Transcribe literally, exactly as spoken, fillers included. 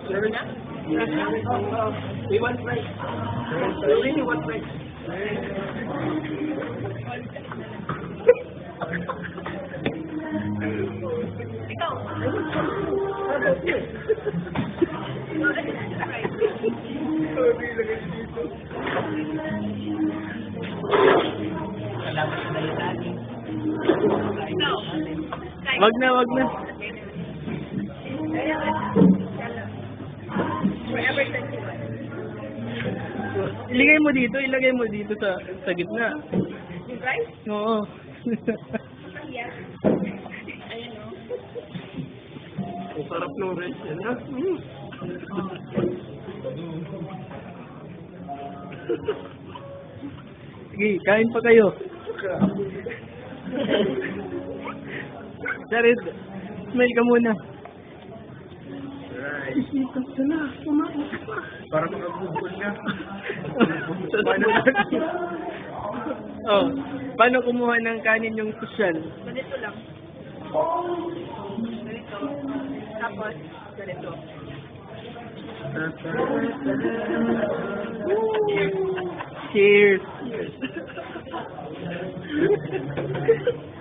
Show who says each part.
Speaker 1: Sure na? We want rice. We really want rice.
Speaker 2: Ikaw.
Speaker 1: Salamat sa dahil natin.
Speaker 2: Ikaw.
Speaker 3: Wag na, wag na.
Speaker 2: Forever twenty-one.
Speaker 3: Ilagay mo dito, ilagay mo dito sa sa gitna.
Speaker 2: Yung rice?
Speaker 3: Oo.
Speaker 2: Yes. Ayun o.
Speaker 1: Ang sarap ng rice yan, ha? Mm.
Speaker 3: Sige, kain pa kayo. Jared, smile ka muna.
Speaker 1: Rice. Isipan ka na. Kumain ka pa. Para makagugol na. Paano natin?
Speaker 3: Oh, paano kumuha ng kanin yung sosyal?
Speaker 2: Ganito lang. Ganito. Tapos, ganito.
Speaker 3: Cheers!